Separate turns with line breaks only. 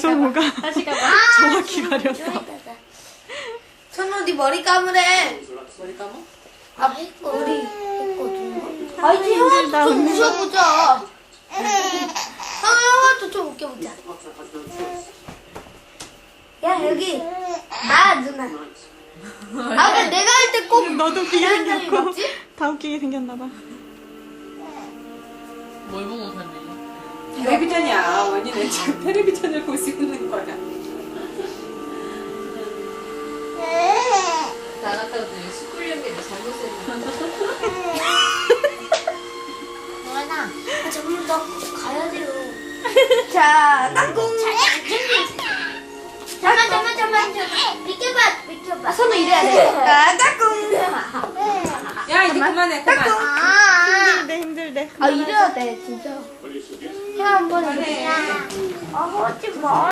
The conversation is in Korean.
성우가
다시 가봐.
정확히 가렸어.
선우디 머리 감으래.
머리 감아?
아, 머리 했거든. 아니,
힘들다,
형아도 좀
언니.
웃어보자. 형아도 좀 웃겨보자. 야, 여기. 나, 누나. 아, 근데 내가 할 때 꼭.
너도 웃기게
이런 사람이
생겼고
맞지?
다 웃기게 생겼나봐.
뭘 보고 봤네.
텔레비전이야. 원이는 지금 텔레비전을 볼 수 있는 거야.
나갔다더니 스쿨령기를 잘못했네.
영환아, 잠깐만, 나 가야 돼요. 자, 땅콩. 잠깐만. 비켜봐. 손을 이래야 돼. 자, 땅콩.
야, 이제 그만해. 그만.
힘들대.
아, 이래야 돼, 진짜. 형, 한번 이래. 아, 하지 마.